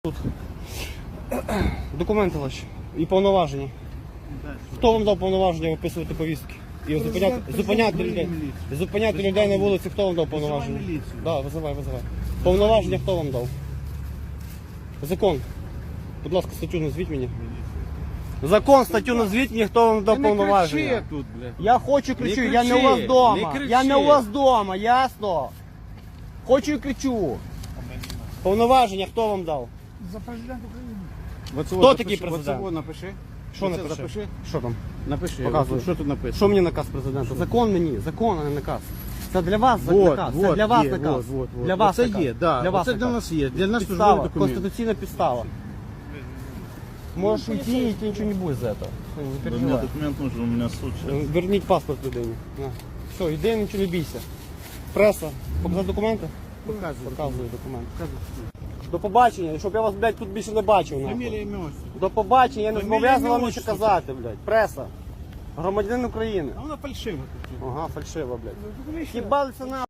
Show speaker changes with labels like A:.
A: Тут. Документи ваші і повноваження. Хто вам дав повноваження виписувати повістки? І зупиняти людей на вулиці, хто вам дав повноваження? Так, визивай. Повноваження хто вам дав? Закон. Будь ласка, статтю назвіть мені. Закон, статтю назвіть мені, хто вам дав повноваження.
B: Тут,
A: Я хочу кричу, я не у вас вдома. Я не у вас вдома, ясно? Хочу і кричу. Повноваження хто вам дав?
C: За президент України.
A: Хто такий президент?
B: Оце напиши.
A: Що
B: Оце
A: напиши?
B: запиши.
A: Що там?
B: Напиши.
A: Показуй.
B: Що тут написано?
A: Що мені наказ президента? Закон мені, закон, а не наказ. Це для вас
B: Вот,
A: наказ,
B: вот,
A: це для вас
B: є,
A: наказ.
B: вот.
A: Для вас
B: Це
A: наказ.
B: є, да.
A: Для вас
B: Це для
A: наказ.
B: нас є. Для нас
A: Підстава,
B: службовий документ.
A: конституційна підстава. Можешь уйти, и тебе ничего не будет за это. Не
D: У меня
A: переживай.
D: документ нужен, у меня суд сейчас.
A: Верніть паспорт людині. На. Все, йди, нічого не бійся. Преса. Показати документи? Показую документи. До побачення, щоб я вас, блядь, тут більше не бачив. нахуй.
B: Фамілія, ім'я, отчество.
A: До побачення, я не
B: Фамілія,
A: зобов'язаний вам
B: ім'я,
A: нічого
B: отчество.
A: казати, блядь. Преса. Громадянин України.
B: А вона фальшива тут.
A: Ага, фальшива, блядь.
B: Ну,
A: Їбалися на.